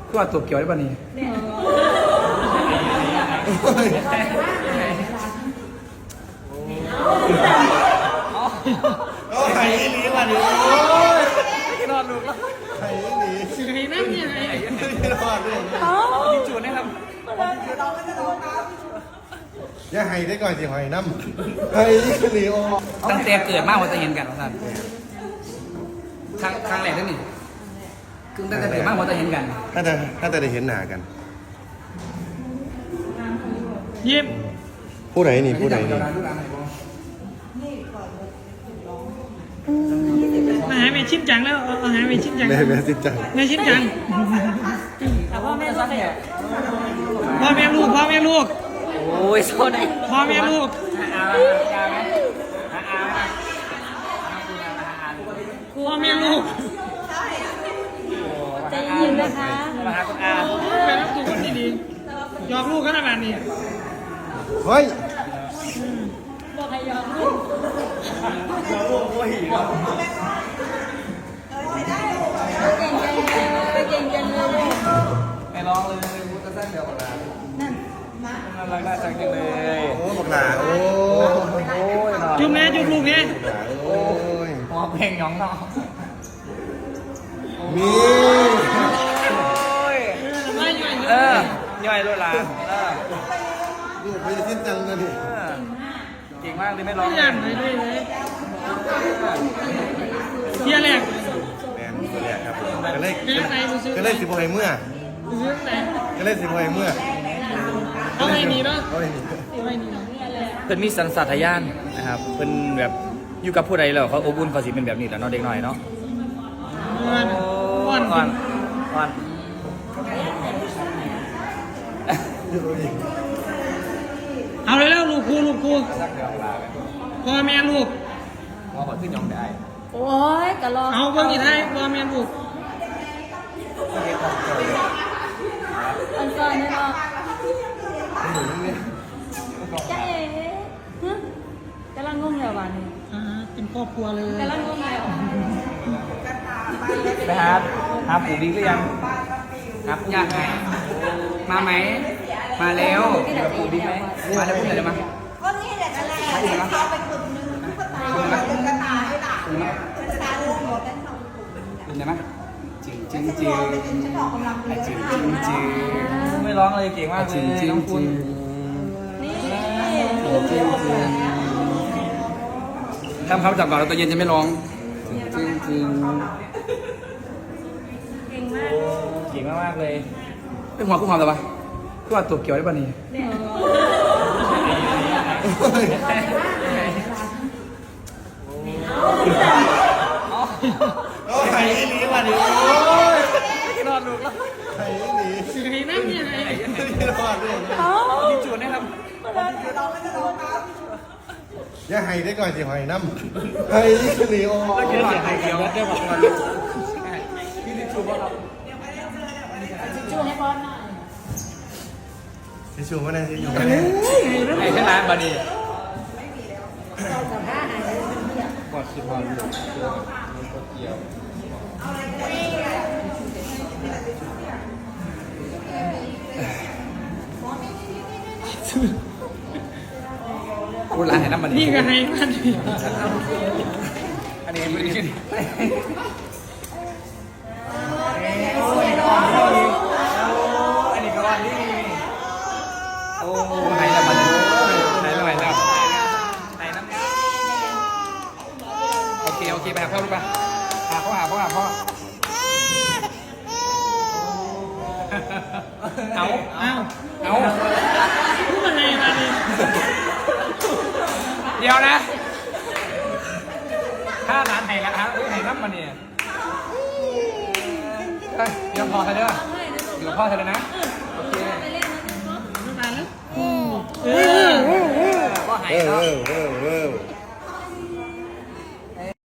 ก็ว่าตัวเกี่ยวได้ป่ะนี่โอ้ไข่หนีมาดิโอ้ยนอนลูกแล้วไข่หนีไข่นั่นยังไงไม่รอดเลยยิงจูนนะครับอย่าไห้ได้ก่อนสิหอยน้ำไข่หนีโอ้ตั้งแต่เกิดมากว่าจะเห็นกันท่านครั้งแรกนั่นนี่คือตั้งแต่เกิดมากว่าจะเห็นกันถ้าจะได้เห็นหน้ากันยิ้มผู้ไหนนี่ผู้ไหนนี่มาหาแม่ชิมจังแล้วเอาหาแม่ชิมจังแม่ชิมจังแม่ชิมจังพ่อแม่ลูกพ่อแม่ลูกโอ้ยโซนไหนพ่อแม่ลูกพ่อแม่ลูกใจเย็นนะคะมาหาคุณอาไปรับตัวคนดีๆยอมลูกขนาดนี้เฮ้ยบอกให้ยอมลูกเก่งจังเลยไม่ร้องเลยมุดกระแทกเดียวกันนะนั่นรักน่าจังจังเลยโอ้บอกหลาโอ้ยจุ่มแม่จุ่มลูกเนี่ยโอ้ยหอเพลงหยองเนาะมีย่อยด้วยล่ะลูกไปชิมจังเลยดิเก่งมากเลยไม่ร้องเลยเที่ยแรกแมนตัวแรกครับก็เลยสิบหอยเมื่อก็เลยสิบหอยเมื่อเอาไอ้นี่เนาะเพิ่นมีสัญชาตญาณนะครับเพิ่นแบบอยู่กับผู้ใดแล้วเขาอบอุ่นเขาสิเป็นแบบนี้แหละเนาะเด็กน้อยเนาะก่อนเอาเลยแล้วลูกครูพ่อแม่ลูกพ่อบอกขึ้นยองได้โอ้ยกะลอเอาเบิ่งอีกให้พ่อแม่ลูกอันก่อนนะเนาะจ๊ะเอ๋กำลังงงแล้ววันนี้เป็นครอบครัวเลยกำลังงงแล้วไปหาปู่บิ๊กหรือยังครับยากไงมาไหมมาแล้วปู่บิ๊กไหมมาแล้วพูดอะไรมาก็นี่แหละอะไรเขาไปกลุ่มนึงตุ๊กตาตุ๊กตาให้หลานตุ๊กตาลูกหมดกันสองกลุ่มเป็นไงไหมจริงฉันบอกกำลังเลยจริงไม่ร้องเลยเก่งมากเลยน้องคุณนี่ทำคำจับก่อนแล้วตัวเย็นจะไม่ร้องจริงเก่งมากเลยเป็นหัวคู่ความหรือเปล่าก็ว่าตัวเกี่ยวได้ป่ะนี่โอ้ไข่หนีมาดิโอ้ยนอนลูกแล้วไข่หนีไข่นั่นยังไงไม่รอดเลยยิงจูนนะครับอย่าไห้ได้ก่อนสิหอยน้ำไข่หนีโอ้ยเสียงไข่เกี่ยวได้ป่ะพี่ดิจูป่ะครับจูให้บอลหน่อยทิชชู่มาได้ทิชชู่ไอ้ขนาดบันนี้กอดสิบวันอยู่กดเกี่ยวพูดร้านไหนน้ำมันนี่ก็ให้มันอันนี้ไม่ได้ยินอันนี้ก็วันนี้โอ้ไหนละมันไหนละไหนละไหนน้ำโอเคไปหาพ่อลูกไปหาพ่อเอาพูดอะไรมาดิเดี๋ยวนะถ้าร้านไหนละครับไหนน้ำมันเนี่ยเดี๋ยวพอเธอเด้อเดี๋ยวพ่อเธอเลยนะโอเคไม่มาแล้วพ่อหายแล้ว